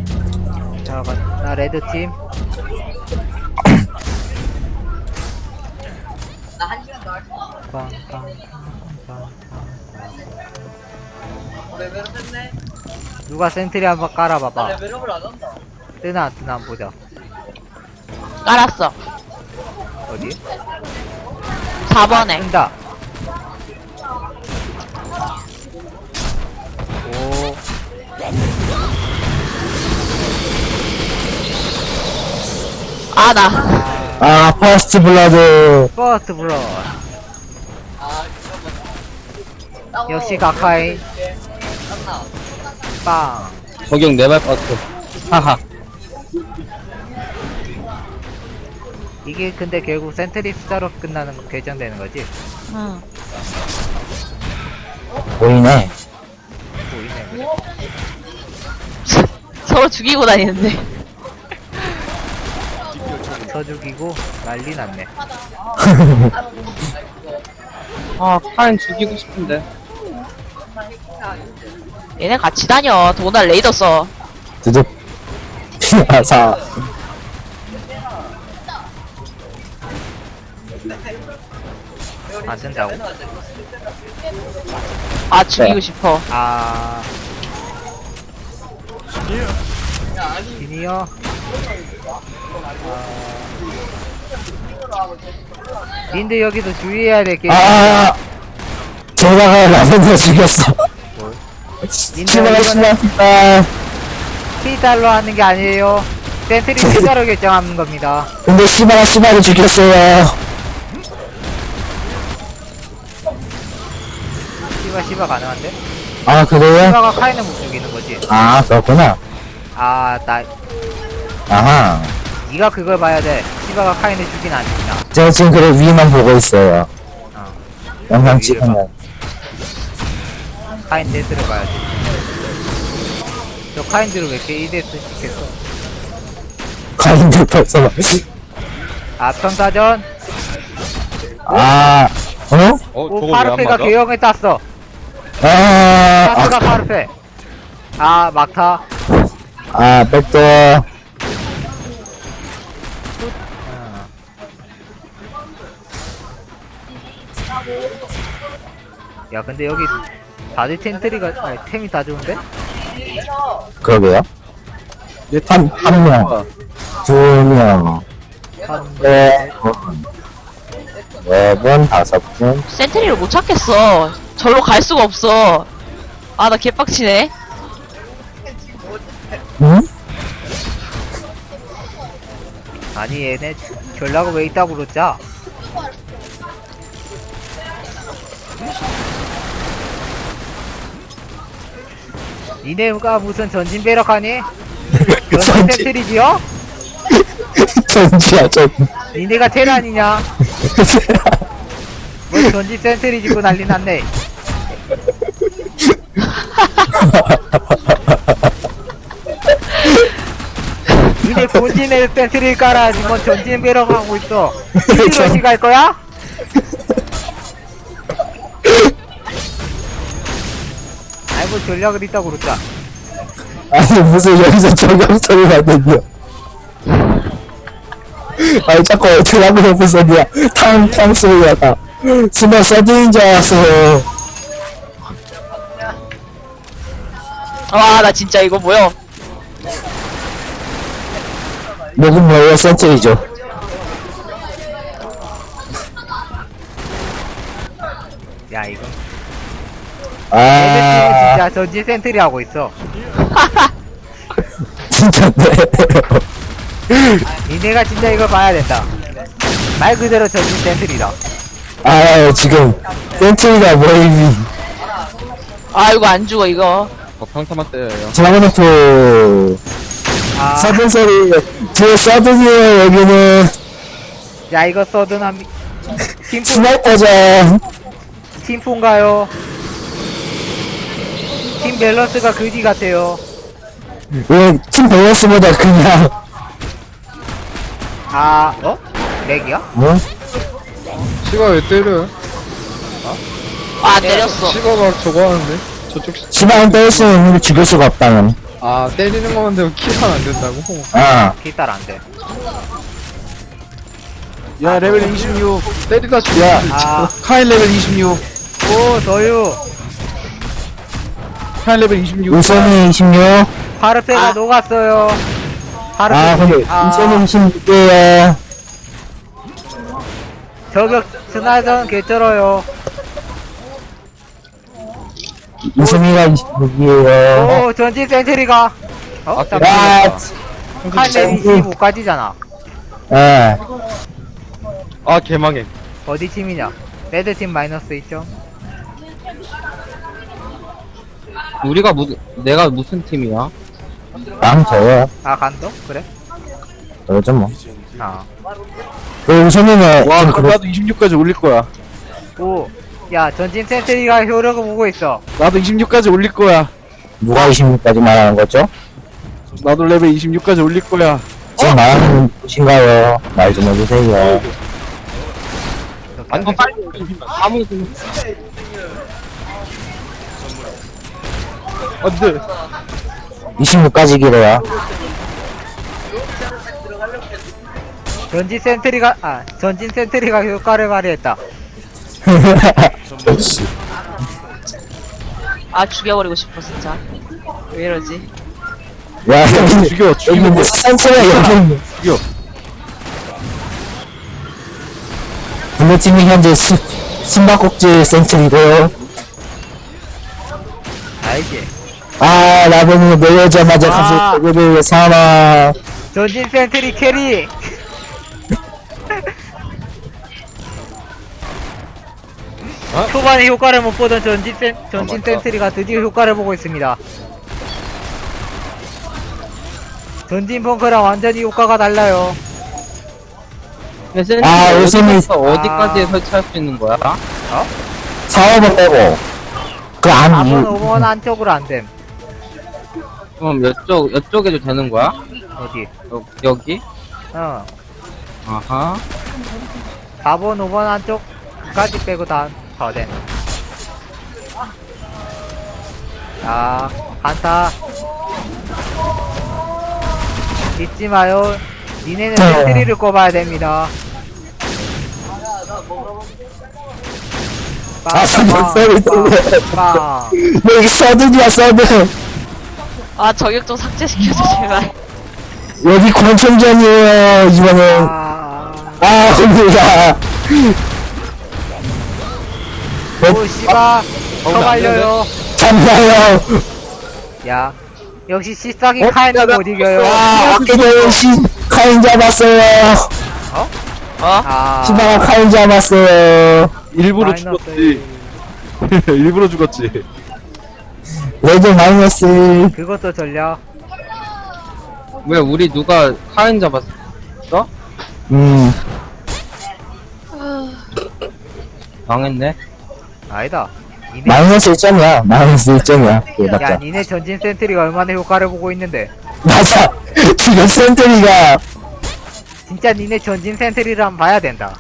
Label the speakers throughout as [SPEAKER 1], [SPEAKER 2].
[SPEAKER 1] 자, 나 레드팀. 누가 센트리 한번 깔아봐봐. 뜨나 안 뜨나 한번 보자.
[SPEAKER 2] 깔았어.
[SPEAKER 1] 어디?
[SPEAKER 2] 4번에.
[SPEAKER 1] 뜬다. 오.
[SPEAKER 2] 아, 나.
[SPEAKER 3] 아, 퍼스트 블러드.
[SPEAKER 1] 퍼스트 블러. 역시 가카이. 빵.
[SPEAKER 3] 적용 네발 퍼스트. 하하.
[SPEAKER 1] 이게 근데 결국 센트리 숫자로 끝나는 거 결정되는 거지?
[SPEAKER 2] 응.
[SPEAKER 3] 보이네.
[SPEAKER 1] 보이네.
[SPEAKER 2] 서로 죽이고 다니는데.
[SPEAKER 1] 쳐 죽이고 난리 났네.
[SPEAKER 3] 아, 파인 죽이고 싶은데.
[SPEAKER 2] 얘네 같이 다녀. 도날 레이더 써.
[SPEAKER 3] 드득. 아사.
[SPEAKER 1] 안 쓴다고?
[SPEAKER 2] 아, 죽이고 싶어.
[SPEAKER 1] 아. 지니어? 닌데 여기도 주의해야 될 게.
[SPEAKER 3] 아, 제가 라벤더 죽였어.
[SPEAKER 1] 닌데
[SPEAKER 3] 치마가
[SPEAKER 1] 이거는
[SPEAKER 3] 신났다.
[SPEAKER 1] T달로 하는 게 아니에요. 센트리 T자로 결정하는 겁니다.
[SPEAKER 3] 근데 시바를 죽였어요.
[SPEAKER 1] 시바 가능한데?
[SPEAKER 3] 아, 그래요?
[SPEAKER 1] 시바가 카인을 못 죽이는 거지.
[SPEAKER 3] 아, 그렇구나.
[SPEAKER 1] 아,
[SPEAKER 3] 아하.
[SPEAKER 1] 네가 그걸 봐야 돼. 시바가 카인을 죽이나 안 죽이나.
[SPEAKER 3] 제가 지금 그래 위만 보고 있어요.
[SPEAKER 1] 어.
[SPEAKER 3] 영상
[SPEAKER 1] 위를
[SPEAKER 3] 찍으면.
[SPEAKER 1] 카인 데스를 봐야지. 저 카인들을 왜 이렇게 2데스 시켰어?
[SPEAKER 3] 가인들 벌써 막.
[SPEAKER 1] 앞선사전.
[SPEAKER 3] 아, 어?
[SPEAKER 1] 오, 파르페가 개형에 땄어.
[SPEAKER 3] 아,
[SPEAKER 1] 파르페가 파르페. 아, 막타.
[SPEAKER 3] 아, 백도.
[SPEAKER 1] 야, 근데 여기 다들 텐트리가, 아니, 템이 다 좋은데?
[SPEAKER 3] 그러게요. 한 명, 두 명, 네 분, 네 분, 다섯 분.
[SPEAKER 2] 센트리를 못 찾겠어. 절로 갈 수가 없어. 아, 나 개빡치네.
[SPEAKER 3] 응?
[SPEAKER 1] 아니, 얘네 전략을 왜 있다고 그러자? 니네가 무슨 전진 배럭하니? 전진 텐트리지요?
[SPEAKER 3] 전지야, 전.
[SPEAKER 1] 니네가 테란이냐? 뭐 전진 센트리 짓고 난리 났네. 니네 본진에 센트리를 깔아야지 뭔 전진 배럭 하고 있어. 이것이 갈 거야? 아이 뭐 전략을 있다고 그러자.
[SPEAKER 3] 아니, 무슨 여기서 저격 소리가 들려. 아니, 자꾸 드라마 옆에 소리야. 탕 소리가 나. 순간 서든인 줄 알았어.
[SPEAKER 2] 와, 나 진짜 이거 뭐야.
[SPEAKER 3] 목은 뭐예요? 센트리죠.
[SPEAKER 1] 야 이거 얘네 팀은
[SPEAKER 3] 아,
[SPEAKER 1] 진짜 전진 센트리 하고 있어.
[SPEAKER 3] 진짜네.
[SPEAKER 1] 니네가 진짜 이걸 봐야 된다. 말 그대로 전진 센트리다.
[SPEAKER 3] 아, 지금 센트리가 모임이
[SPEAKER 2] 아, 이거 안 죽어, 이거.
[SPEAKER 4] 평타만 때려요.
[SPEAKER 3] 드라곤오프
[SPEAKER 1] 아,
[SPEAKER 3] 서든 소리. 제 서든이에요. 여기는
[SPEAKER 1] 야 이거 서든함
[SPEAKER 3] 스나이퍼죠.
[SPEAKER 1] 팀폰가요? 팀 밸런스가 그지 같아요.
[SPEAKER 3] 왜 팀 밸런스보다 그냥
[SPEAKER 1] 아, 어? 렉이야?
[SPEAKER 3] 뭐?
[SPEAKER 4] 시가 왜 때려?
[SPEAKER 2] 아, 때렸어.
[SPEAKER 4] 시가 막 저거 하는데? 저쪽
[SPEAKER 3] 시바는 때릴 수 있는데 죽일 수가 없다는.
[SPEAKER 4] 아, 때리는 건데 킬하면 안 된다고?
[SPEAKER 3] 아,
[SPEAKER 1] 기딸 안돼.
[SPEAKER 4] 야, 레벨 26. 때리다 죽여.
[SPEAKER 1] 아,
[SPEAKER 4] 카인 레벨 26.
[SPEAKER 1] 오, 도유.
[SPEAKER 4] 카인 레벨 26.
[SPEAKER 3] 우선이 26.
[SPEAKER 1] 파르페가 녹았어요. 파르페.
[SPEAKER 3] 아, 근데 우선이 26개야.
[SPEAKER 1] 저격 스나전 개쩔어요.
[SPEAKER 3] 우선이가 26이에요.
[SPEAKER 1] 오, 전진 센트리가. 어?
[SPEAKER 4] 아,
[SPEAKER 1] 잠깐만.
[SPEAKER 3] 야,
[SPEAKER 1] 칼레 25까지잖아.
[SPEAKER 3] 예.
[SPEAKER 4] 아, 개망해.
[SPEAKER 1] 어디 팀이냐? 레드팀 마이너스 있죠?
[SPEAKER 5] 우리가 내가 무슨 팀이야?
[SPEAKER 3] 난 저요.
[SPEAKER 1] 아, 간도? 그래?
[SPEAKER 3] 저죠 뭐.
[SPEAKER 1] 아.
[SPEAKER 3] 그 우선이는,
[SPEAKER 4] 와,
[SPEAKER 3] 좀
[SPEAKER 4] 그럼
[SPEAKER 3] 그렇-
[SPEAKER 4] 나도 26까지 올릴 거야.
[SPEAKER 1] 오. 야, 전진 센트리가 효력을 보고 있어.
[SPEAKER 4] 나도 26까지 올릴 거야.
[SPEAKER 3] 누가 26까지 말하는 거죠?
[SPEAKER 4] 나도 레벨 26까지 올릴 거야.
[SPEAKER 3] 지금 말하는 분이신가요? 말 좀 해주세요.
[SPEAKER 5] 아니 빨리 아무
[SPEAKER 4] 안 돼.
[SPEAKER 3] 26까지 기래요.
[SPEAKER 1] 전진 센트리가 효과를 발휘했다.
[SPEAKER 2] 아 죽여버리고 싶어 진짜. 왜 이러지?
[SPEAKER 3] 야, 여기,
[SPEAKER 4] 죽여,
[SPEAKER 3] 여기
[SPEAKER 4] 죽여.
[SPEAKER 3] 뭐, 산채가 여기 있네.
[SPEAKER 4] 죽여.
[SPEAKER 3] 블루팀이 현재 숨바꼭질 센트리고요.
[SPEAKER 1] 알지?
[SPEAKER 3] 아, 라벤이 내려오자마자
[SPEAKER 1] 아.
[SPEAKER 3] 갑자기 그를 사망.
[SPEAKER 1] 전진 센트리 캐리! 초반에 효과를 못 보던 전진 센트리가 드디어 효과를 보고 있습니다. 전진 펑크랑 완전히 효과가 달라요.
[SPEAKER 3] 아, 요즘에-
[SPEAKER 5] 어디까지
[SPEAKER 1] 아.
[SPEAKER 5] 설치할 수 있는 거야?
[SPEAKER 3] 사업을 빼고. 그 안,
[SPEAKER 1] 4번, 5번 안쪽으로 안 됨.
[SPEAKER 5] 그럼 여쪽에도 되는 거야?
[SPEAKER 1] 어디?
[SPEAKER 5] 여기?
[SPEAKER 1] 어.
[SPEAKER 5] 아하.
[SPEAKER 1] 4번, 5번 안쪽까지 빼고 다 됨. 자, 한타. 잊지 마요. 니네는 센트리를 꼽아야 됩니다.
[SPEAKER 3] 아, 잠깐, 쏘리,
[SPEAKER 1] 빵.
[SPEAKER 3] 여기 서든이야, 서든.
[SPEAKER 2] 아 저격 좀 삭제시켜줘 제발.
[SPEAKER 3] 여기 권총전이에요, 이번엔. 아, 겁니다.
[SPEAKER 1] 오, 씨바. 더 말려요.
[SPEAKER 3] 잠깐요.
[SPEAKER 1] 야. 역시 씨싹이 카인도 못 이겨요.
[SPEAKER 3] 아, 아끼는 카인 잡았어요.
[SPEAKER 2] 어?
[SPEAKER 1] 아.
[SPEAKER 3] 시바가 카인 잡았어요.
[SPEAKER 4] 일부러
[SPEAKER 1] 마이너스
[SPEAKER 4] 죽었지. 일부러 죽었지.
[SPEAKER 3] 레드 마이너스.
[SPEAKER 1] 그것도 전략.
[SPEAKER 5] 왜 우리 누가 카인 잡았어? 망했네.
[SPEAKER 1] 아니다. 니네,
[SPEAKER 3] 마이너스 1점이야. 마이너스 1점이야.
[SPEAKER 1] 야,
[SPEAKER 3] 그래봤자.
[SPEAKER 1] 니네 전진 센트리가 얼마나 효과를 보고 있는데.
[SPEAKER 3] 맞아. 지금 센트리가
[SPEAKER 1] 진짜 니네 전진 센트리를 한번 봐야 된다.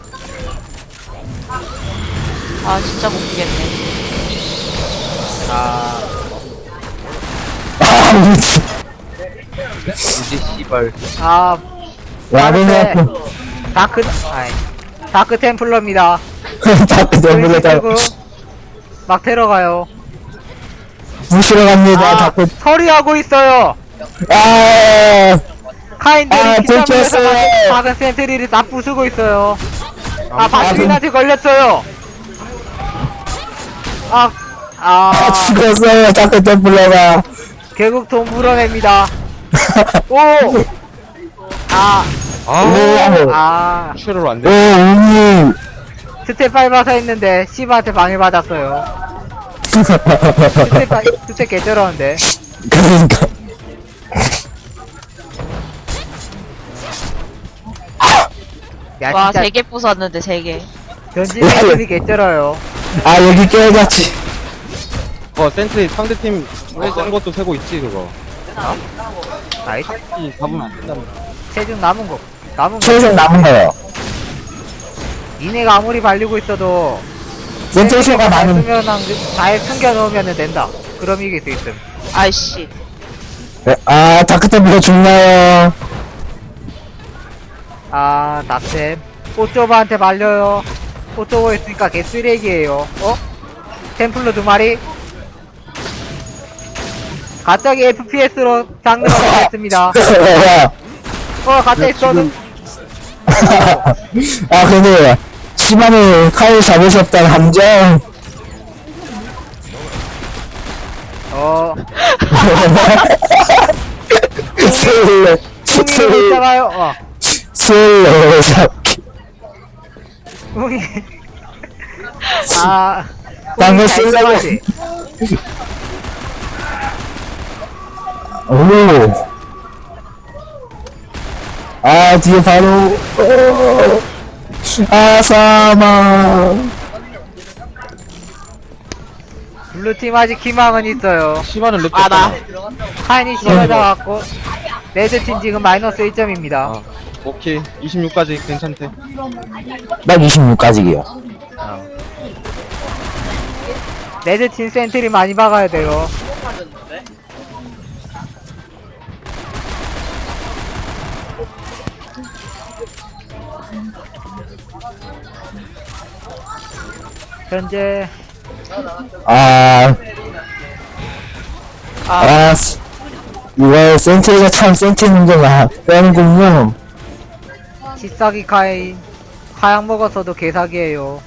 [SPEAKER 2] 아 진짜 못 이겠네.
[SPEAKER 1] 아,
[SPEAKER 3] 아, 미치.
[SPEAKER 5] 우지 씨발.
[SPEAKER 1] 아,
[SPEAKER 3] 라벤이
[SPEAKER 1] 다크 템플러입니다.
[SPEAKER 3] 다크 덤블러다
[SPEAKER 1] 끌고 막 데려가요.
[SPEAKER 3] 부시러 갑니다.
[SPEAKER 1] 아,
[SPEAKER 3] 다크.
[SPEAKER 1] 처리하고 있어요.
[SPEAKER 3] 아,
[SPEAKER 1] 카인들이
[SPEAKER 3] 아,
[SPEAKER 1] 피자물에서
[SPEAKER 3] 들켰어요.
[SPEAKER 1] 작은 센트리를 다 부수고 있어요. 아, 바트린한테 걸렸어요. 아,
[SPEAKER 3] 아, 죽었어요. 다크 덤블러가.
[SPEAKER 1] 결국 돈 물어냅니다. 오! 아,
[SPEAKER 3] 오,
[SPEAKER 1] 아,
[SPEAKER 4] 쉐럴 안
[SPEAKER 3] 오,
[SPEAKER 4] 돼.
[SPEAKER 3] 우님.
[SPEAKER 1] 스텝 밟아서 했는데, 씨바한테 방해받았어요. 스텝 개쩔었는데.
[SPEAKER 3] 그러니까.
[SPEAKER 1] 야,
[SPEAKER 2] 와
[SPEAKER 1] 진짜
[SPEAKER 2] 3개 부쉈는데 3개.
[SPEAKER 1] 전진 센트리 개쩔어요.
[SPEAKER 3] 아, 여기 깨졌지.
[SPEAKER 4] 센트리 상대팀 센 것도 세고 있지, 그거.
[SPEAKER 1] 아이,
[SPEAKER 5] 잡으면 안 된다.
[SPEAKER 1] 체중 남은 거.
[SPEAKER 3] 최소 남은 거요.
[SPEAKER 1] 니네가 아무리 발리고 있어도,
[SPEAKER 3] 센트리가 많은.
[SPEAKER 1] 잘 숨겨놓으면 된다. 그럼 이길 수 있음.
[SPEAKER 2] 아이씨.
[SPEAKER 3] 아, 다크템플러 죽나요?
[SPEAKER 1] 아, 낙템. 꽃조바한테 말려요. 꽃조바 있으니까 개쓰레기예요. 어? 템플러 2마리? 갑자기 FPS로 장르가 바뀌었습니다. 갑자기 써는
[SPEAKER 3] 아, 근데, 시바는 카일 잡으셨다는 함정. 슬로,
[SPEAKER 1] 뿡이 못 잡아요.
[SPEAKER 3] 슬로 잡기.
[SPEAKER 1] 뿡이. 아,
[SPEAKER 3] 방금
[SPEAKER 1] 뿡이 잘
[SPEAKER 3] 슬로.
[SPEAKER 1] 잡았지?
[SPEAKER 3] 오. 아, 뒤에 바로, 아, 사망.
[SPEAKER 1] 블루팀 아직 희망은 있어요.
[SPEAKER 4] 시바는 랩
[SPEAKER 2] 아, 나.
[SPEAKER 1] 카인이 씌워져갖고 레드팀 지금 마이너스 1점입니다.
[SPEAKER 4] 아, 오케이. 26까지 괜찮대.
[SPEAKER 3] 딱 26까지기요.
[SPEAKER 1] 레드팀 센트리 많이 박아야 돼요. 현재
[SPEAKER 3] 아, 이거 센트리가 참 센트리 문제가 빼는군요.
[SPEAKER 1] 지싸기 카인 하양 먹었어도 개사기예요.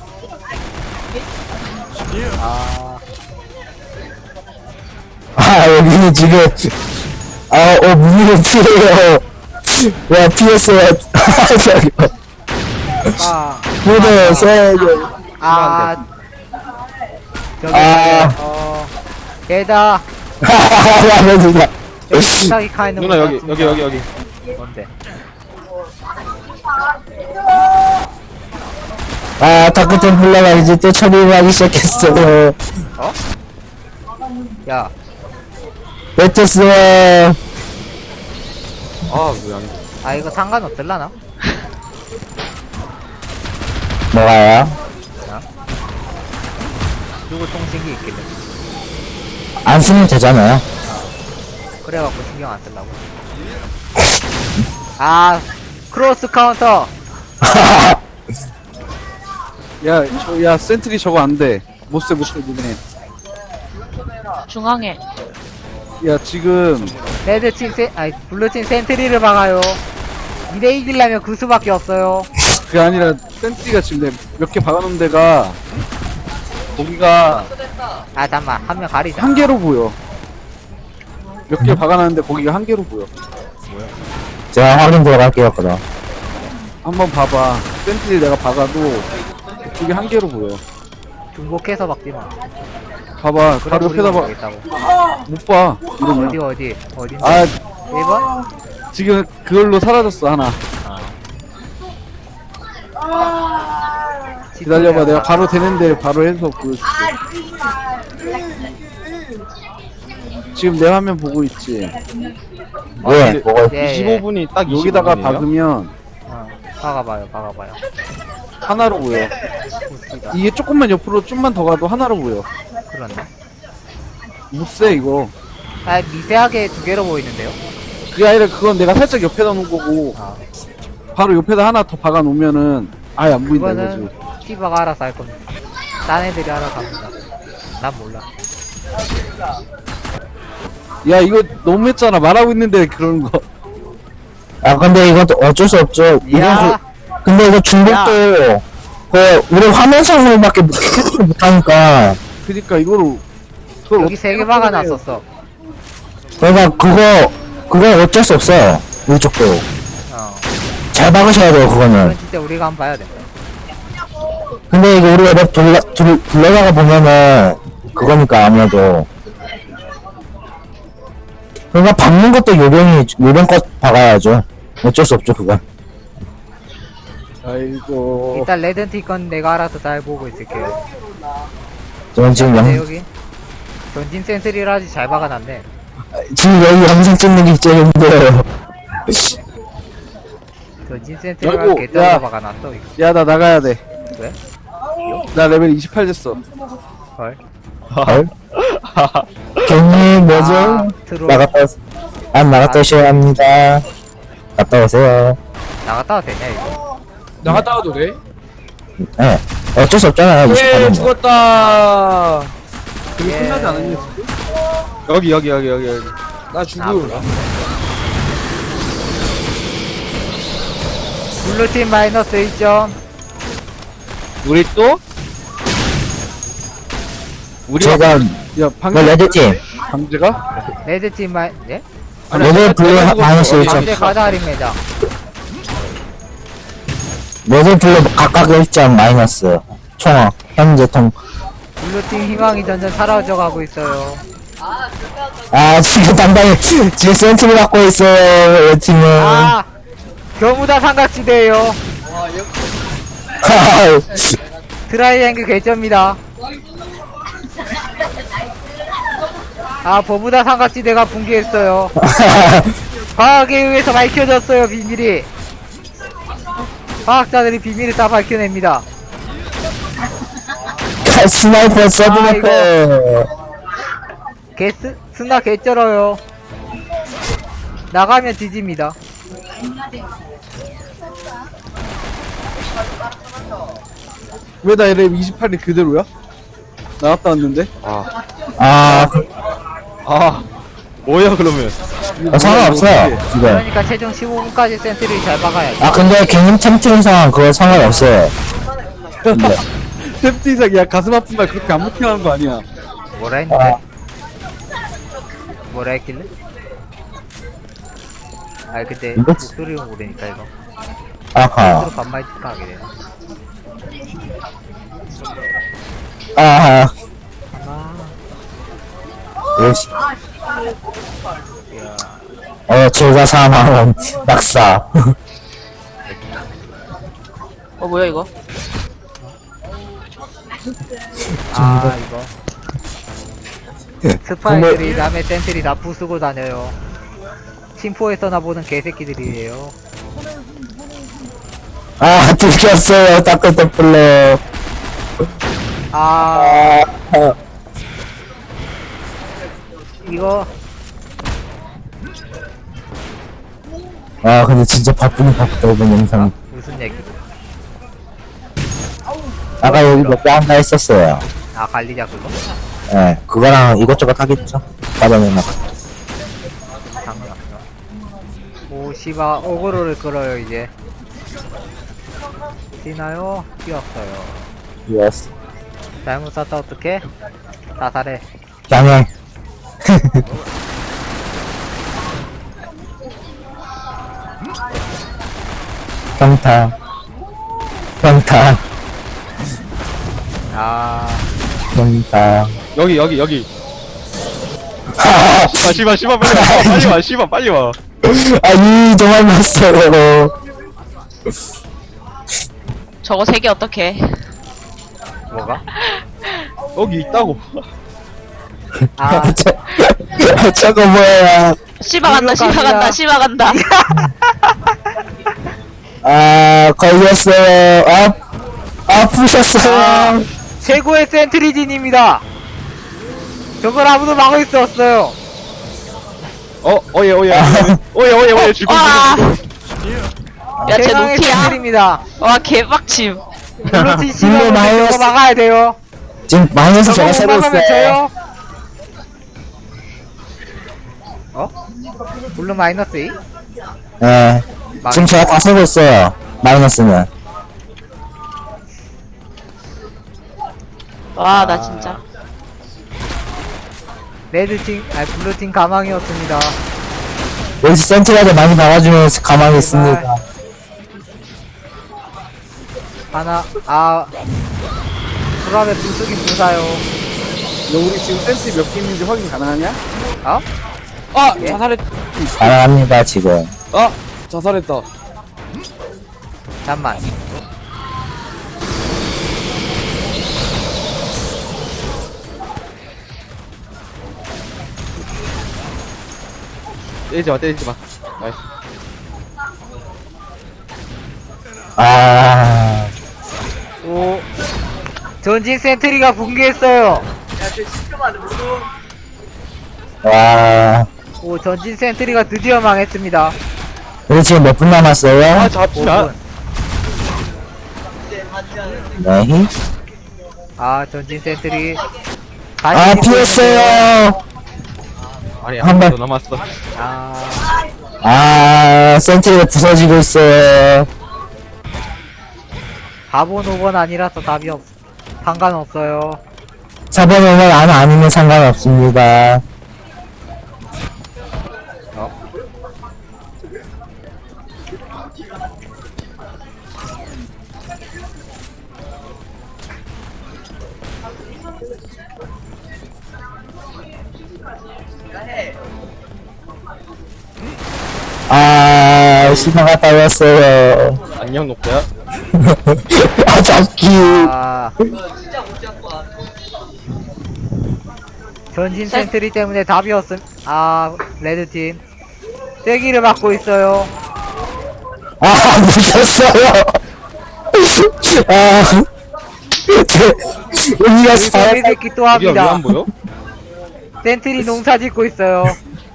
[SPEAKER 3] 아, 여기는 지금, 문의를 피해요. 와, 피했어요. 저기요.
[SPEAKER 1] 아,
[SPEAKER 3] 무대 세요.
[SPEAKER 1] 저기
[SPEAKER 3] 아.
[SPEAKER 1] 얘다
[SPEAKER 3] 라면이다.
[SPEAKER 1] 여기 지싸기 카인은
[SPEAKER 4] 누나 여기 여기.
[SPEAKER 1] 뭔데?
[SPEAKER 3] 아, 다크템플러가 이제 또 처리를 하기 시작했어.
[SPEAKER 1] 야,
[SPEAKER 3] 베테스.
[SPEAKER 4] 아, 왜 안 돼?
[SPEAKER 1] 아 이거 상관없을라나?
[SPEAKER 3] 뭐가요?
[SPEAKER 1] 누구 통신기 있길래
[SPEAKER 3] 안 쓰면 되잖아요.
[SPEAKER 1] 그래갖고 신경 안 쓰려고. 아, 크로스 카운터.
[SPEAKER 6] 야, 센트리 저거 안 돼. 못써 니네.
[SPEAKER 2] 중앙에.
[SPEAKER 6] 야, 지금,
[SPEAKER 1] 레드팀 블루팀 센트리를 박아요. 이대 이기려면 그 수밖에 없어요.
[SPEAKER 6] 그게 아니라, 센트리가 지금 몇 개 박아놓은 데가, 거기가
[SPEAKER 1] 아 잠만 한 명 가리자.
[SPEAKER 6] 한 개로 보여. 몇 개 박아놨는데 거기가 한 개로 보여.
[SPEAKER 3] 제가 확인 들어갈게요, 그럼.
[SPEAKER 6] 한번 봐봐. 센트리 내가 박아도, 그쪽이 한 개로 보여.
[SPEAKER 1] 중복해서 박지마.
[SPEAKER 6] 봐봐. 바로 옆에다 봐. 못 봐. 이러면.
[SPEAKER 1] 어딘데?
[SPEAKER 6] 아,
[SPEAKER 1] 1번?
[SPEAKER 6] 지금 그걸로 사라졌어, 하나. 기다려봐. 내가 바로 되는데 바로 해서 보여줄게. 지금 내 화면 보고 있지.
[SPEAKER 3] 네, 뭐가,
[SPEAKER 1] 예,
[SPEAKER 4] 25분이 딱
[SPEAKER 6] 여기다가
[SPEAKER 4] 25분이에요?
[SPEAKER 6] 박으면
[SPEAKER 1] 박아봐요.
[SPEAKER 6] 하나로 보여.
[SPEAKER 1] 보스가
[SPEAKER 6] 이게 조금만 옆으로 좀만 더 가도 하나로 보여.
[SPEAKER 1] 그렇네.
[SPEAKER 6] 못세 이거.
[SPEAKER 1] 아 미세하게 두 개로 보이는데요?
[SPEAKER 6] 그게 아니라 그건 내가 살짝 옆에다 놓은 거고
[SPEAKER 1] 아,
[SPEAKER 6] 바로 옆에다 하나 더 박아 놓으면은 아예 안 보인다
[SPEAKER 1] 그거는
[SPEAKER 6] 이거지.
[SPEAKER 1] 티바가 알아서 할 겁니다. 딴 애들이 알아서 합니다. 난 몰라.
[SPEAKER 6] 야 이거 너무했잖아. 말하고 있는데 그런 거.
[SPEAKER 3] 아, 근데 이것도 어쩔 수 없죠.
[SPEAKER 1] 야,
[SPEAKER 3] 근데 이거 중복도, 우리 화면상으로밖에 못하니까.
[SPEAKER 6] 그니까 이거를 그걸
[SPEAKER 1] 여기 세 개 박아놨었어.
[SPEAKER 3] 그러니까 그건 어쩔 수 없어요. 이쪽도. 잘 박으셔야 돼요, 그거는.
[SPEAKER 1] 이건 진짜 우리가 한번 봐야 돼.
[SPEAKER 3] 근데 이거 우리가 랩 돌려다가 보면은, 그거니까 아무래도. 그러니까 박는 것도 요령껏 박아야죠. 어쩔 수 없죠, 그건.
[SPEAKER 6] 아이고.
[SPEAKER 1] 일단 레드티 건 내가 알아서 잘 보고 있을게요.
[SPEAKER 3] 저는 지금
[SPEAKER 1] 근데 여기 전진 센트리를 아주 잘 박아놨네.
[SPEAKER 3] 지금 여기 영상 찍는 게 제일 힘들어요.
[SPEAKER 1] 전진 센트리를
[SPEAKER 6] 아이고,
[SPEAKER 1] 개짜로
[SPEAKER 6] 야.
[SPEAKER 1] 박아놨어 이거.
[SPEAKER 6] 야 나 나가야 돼.
[SPEAKER 1] 왜?
[SPEAKER 6] 나 레벨 28 됐어.
[SPEAKER 1] 헐.
[SPEAKER 3] 경님 뭐죠?
[SPEAKER 1] 아, 트롤.
[SPEAKER 3] 안 나갔다 오셔야 합니다. 갔다 오세요.
[SPEAKER 1] 나갔다 와도 되냐 이거?
[SPEAKER 6] 나갔다 와도 돼?
[SPEAKER 3] 네. 어쩔 수 없잖아요.
[SPEAKER 6] 예
[SPEAKER 3] 28년 뭐.
[SPEAKER 6] 죽었다. 그게
[SPEAKER 1] 예.
[SPEAKER 6] 끝나지 않았냐 지금?
[SPEAKER 4] 여기.
[SPEAKER 6] 나 죽음.
[SPEAKER 1] 블루팀 마이너스 1점.
[SPEAKER 4] 우리 또? 우리가
[SPEAKER 3] 제가
[SPEAKER 6] 야
[SPEAKER 3] 뭐
[SPEAKER 6] 방금
[SPEAKER 3] 레드팀
[SPEAKER 6] 강제가?
[SPEAKER 1] 레드팀 네?
[SPEAKER 3] 레드 블루 마이너스 1점.
[SPEAKER 1] 강제 가자림 매장.
[SPEAKER 3] 레드 블루 각각 1점 마이너스. 총 현재 통.
[SPEAKER 1] 블루팀 희망이 점점 사라져 가고 있어요.
[SPEAKER 3] 아 지금 당당히 지금 센트를 갖고 있어요. 레드팀은.
[SPEAKER 1] 아! 겨무다 삼각지대예요. 트라이앵글 개점입니다. 아, 버무다 삼각지대가 붕괴했어요. 과학에 의해서 밝혀졌어요, 비밀이. 과학자들이 비밀을 다 밝혀냅니다.
[SPEAKER 3] 스나이퍼 서브메커.
[SPEAKER 1] 스나 개쩔어요. 나가면 뒤집니다.
[SPEAKER 6] 왜 나 LM 28이 그대로야? 나갔다 왔는데?
[SPEAKER 3] 아
[SPEAKER 4] 뭐야 그러면?
[SPEAKER 3] 상관없어요 지금.
[SPEAKER 1] 그러니까 최종 15분까지 센트를 잘 박아야지.
[SPEAKER 3] 아 근데 개님 템트인 상황 그거 상관없어요. 근데
[SPEAKER 6] 템트 이상 야 가슴 아픈 말 그렇게 안 못해하는 거 아니야.
[SPEAKER 1] 뭐라 했는데? 뭐라 했길래? 아 근데
[SPEAKER 3] 이거-
[SPEAKER 1] 목소리를 모르니까 이거
[SPEAKER 3] 아하
[SPEAKER 1] 서로 반말 하게 되네.
[SPEAKER 3] 아하
[SPEAKER 1] 아,
[SPEAKER 3] 요시. 제가 사망한 낙사.
[SPEAKER 2] 뭐야 이거?
[SPEAKER 1] 아 이거 스파이들이 남의 센트리 다 부수고 다녀요. 침포에서나 보는 개새끼들이에요.
[SPEAKER 3] 아 들켰어요 따끈따끈러.
[SPEAKER 1] 아 이거
[SPEAKER 3] 아 근데 진짜 바쁘긴 바쁘다 이번 영상.
[SPEAKER 1] 무슨 얘기?
[SPEAKER 3] 아까 여기 몇 개 한다 했었어요.
[SPEAKER 1] 아 관리자 그거?
[SPEAKER 3] 예, 그거랑 이것저것 하겠죠. 받아내나.
[SPEAKER 1] 상관없어. 오 씨바 오그로를 끌어요 이제. 뛰나요? 뛰었어요.
[SPEAKER 3] 예스.
[SPEAKER 1] 잘못 쐈다 어떡해? 자살해.
[SPEAKER 3] 양해. 평타. 평타.
[SPEAKER 1] 아
[SPEAKER 3] 평타.
[SPEAKER 4] 여기.
[SPEAKER 3] 하하.
[SPEAKER 4] 씨발 빨리 와.
[SPEAKER 3] 아니 도망갔어요.
[SPEAKER 2] 저거 3개 어떡해?
[SPEAKER 1] 뭐가?
[SPEAKER 4] 여기 있다고.
[SPEAKER 1] 아
[SPEAKER 3] 저거 뭐야?
[SPEAKER 2] 씨바 간다,
[SPEAKER 1] 일로
[SPEAKER 2] 씨바
[SPEAKER 1] 갑니다.
[SPEAKER 2] 간다, 씨바 간다.
[SPEAKER 3] 아 걸렸어요. 아프셨어요.
[SPEAKER 1] 최고의 센트리진입니다. 저걸 아무도 막을 수 없어요.
[SPEAKER 4] 오예 죽음.
[SPEAKER 2] 와! 야, 쟤
[SPEAKER 1] 최강의
[SPEAKER 2] 노피야?
[SPEAKER 1] 센트리입니다.
[SPEAKER 2] 와, 개빡침.
[SPEAKER 1] 블루팀
[SPEAKER 3] 블루
[SPEAKER 1] 씨가
[SPEAKER 3] 마이너스.
[SPEAKER 1] 저거 막아야 돼요.
[SPEAKER 3] 지금 마이너스
[SPEAKER 1] 저거
[SPEAKER 3] 제가
[SPEAKER 1] 못
[SPEAKER 3] 세고
[SPEAKER 1] 막으면
[SPEAKER 3] 있어요.
[SPEAKER 1] 져요. 어? 블루 마이너스 2?
[SPEAKER 3] 예. 지금 제가 다 세고 있어요. 마이너스는.
[SPEAKER 2] 와, 나 진짜.
[SPEAKER 1] 레드팀, 아니 블루팀 가망이었습니다.
[SPEAKER 3] 여기서 센트라도 많이 박아주면 가만히 있습니다.
[SPEAKER 1] 하나, 수랍에 불쑥이 불사요.
[SPEAKER 6] 너 우리 지금 센트 몇 개인지 확인 가능하냐?
[SPEAKER 1] 어?
[SPEAKER 6] 아
[SPEAKER 1] 예?
[SPEAKER 6] 자살했.
[SPEAKER 3] 가능합니다 지금.
[SPEAKER 6] 자살했다.
[SPEAKER 1] 잠만.
[SPEAKER 4] 때리지 마. 나이스.
[SPEAKER 3] 아.
[SPEAKER 1] 오. 전직 센트리가 붕괴했어요.
[SPEAKER 6] 야쟤
[SPEAKER 3] 와,
[SPEAKER 1] 오, 전진 센트리가 드디어 망했습니다.
[SPEAKER 3] 우리 지금 몇 분 남았어요?
[SPEAKER 4] 아 잡히나?
[SPEAKER 1] 5분.
[SPEAKER 3] 네.
[SPEAKER 1] 아, 전진 센트리.
[SPEAKER 3] 아, 피했어요.
[SPEAKER 4] 아니
[SPEAKER 3] 한
[SPEAKER 4] 한
[SPEAKER 3] 발.
[SPEAKER 4] 번 더 남았어.
[SPEAKER 1] 아,
[SPEAKER 3] 아, 센트리가 부서지고 있어요.
[SPEAKER 1] 4번, 5번 아니라서 답이 상관없어요.
[SPEAKER 3] 4번 오면 안 아니면 상관없습니다. 아, 신화가 따였어요.
[SPEAKER 4] 안녕 녹대야.
[SPEAKER 3] 아, 잡기.
[SPEAKER 1] 아. 전진 센트리 때문에 답이 없음. 아, 레드팀. 세기를 맞고 있어요.
[SPEAKER 3] 아, 무셨어요. 아, 우리가 잘,
[SPEAKER 1] 세기새끼 또
[SPEAKER 4] 우리가
[SPEAKER 1] 합니다.
[SPEAKER 4] 왜안 보여?
[SPEAKER 1] 센트리 농사 짓고 있어요.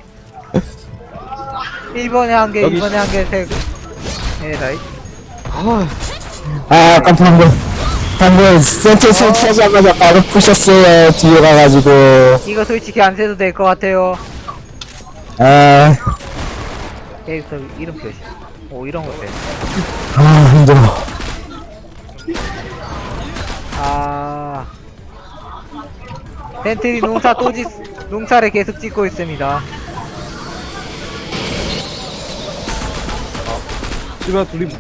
[SPEAKER 1] 1번에 한 개,
[SPEAKER 4] 여기
[SPEAKER 1] 2번에 한 개, 세 개. 네, 다이.
[SPEAKER 3] 아, 방금 센터 설치하자마자 바로 푸셨어요. 뒤에 가가지고.
[SPEAKER 1] 이거 솔직히 안 세도 될 것 같아요.
[SPEAKER 3] 아,
[SPEAKER 1] 캐릭터 이름 표시. 오, 이런 거 돼.
[SPEAKER 3] 아, 힘들어.
[SPEAKER 1] 아. 센트리 농사 농사를 계속 짓고 있습니다.
[SPEAKER 6] 씨발 둘이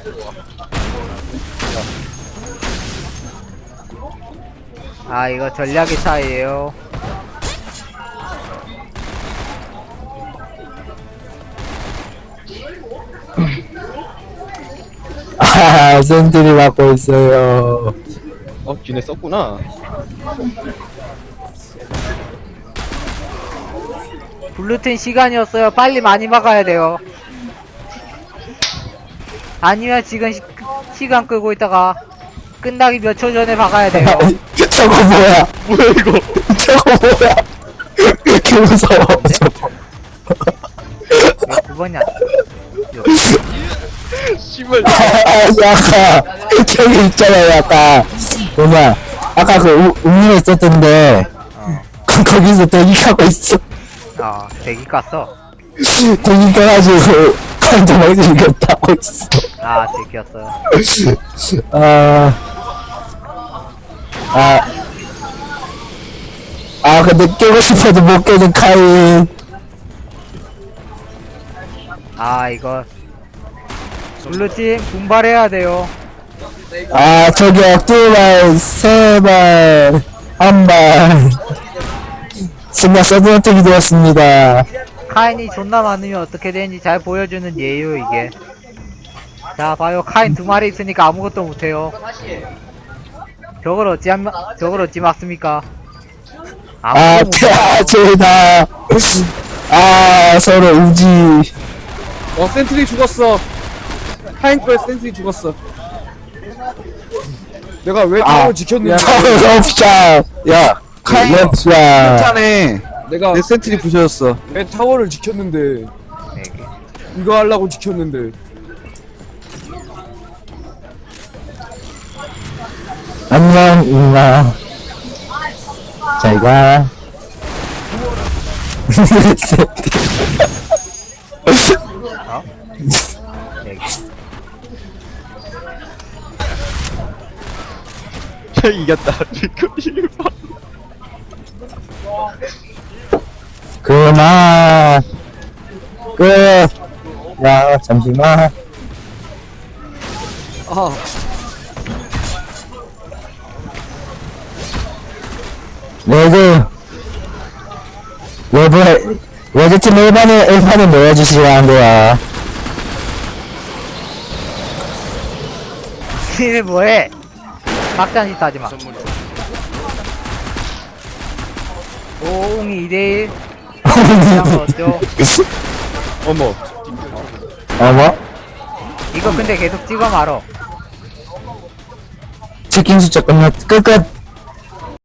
[SPEAKER 1] 아, 이거 전략의 차이에요.
[SPEAKER 3] 아, 센트리 맞고 있어요.
[SPEAKER 4] 쥐네 썼구나.
[SPEAKER 1] 블루튼 시간이었어요. 빨리 많이 막아야 돼요. 아니면 지금 시간 끌고 있다가 끝나기 몇 초 전에 박아야 돼요.
[SPEAKER 3] 저거 뭐야?
[SPEAKER 4] 뭐야 이거?
[SPEAKER 3] 저거 뭐야? 개 무서워, 저거.
[SPEAKER 1] 왜 9번이야?
[SPEAKER 4] 씨발.
[SPEAKER 3] 아, 아까, 저기 있잖아요, 아까. 뭐냐. 아까 그, 음료에 있었던데. 거기서 대기하고 있어.
[SPEAKER 1] 대기 깠어.
[SPEAKER 3] 대기 가가지고, 간장을 이겼다고 있어.
[SPEAKER 1] 아, 대기였어요.
[SPEAKER 3] 근데 깨고 싶어도 못 깨는 카인.
[SPEAKER 1] 아, 이거 블루팀 분발해야 돼요.
[SPEAKER 3] 아, 저기요, 2발, 3발, 1발. 순간 서브어택이 되었습니다.
[SPEAKER 1] 카인이 존나 많으면 어떻게 되는지 잘 보여주는 예요, 이게. 자, 봐요. 카인 2마리 있으니까 아무것도 못해요. 저걸 어찌 막습니까?
[SPEAKER 3] 아, 제다. 아, 서로 우지.
[SPEAKER 6] 센트리 죽었어. 카인 거에 센트리 죽었어. 내가 왜 타워 지켰는지.
[SPEAKER 3] 럽샷. 야,
[SPEAKER 6] 카인
[SPEAKER 3] 럽샷.
[SPEAKER 6] 괜찮네. 내가 내 센트리 부셔졌어. 내 타워를 지켰는데 이거 하려고 지켰는데.
[SPEAKER 3] 안녕, 임마. 잘 가.
[SPEAKER 4] 이겼다. 지금 씨발.
[SPEAKER 3] 그만. 끝. 야, 잠시만. 레드팀 1판을 넣어주시라는 거야.
[SPEAKER 1] 니네 뭐해? 막장짓 하지마. 오웅이 2대1. 그냥 어쩌?
[SPEAKER 4] 어머.
[SPEAKER 3] 어머?
[SPEAKER 1] 이거 근데 계속 찍어 말어.
[SPEAKER 3] 치킨 숫자 끝.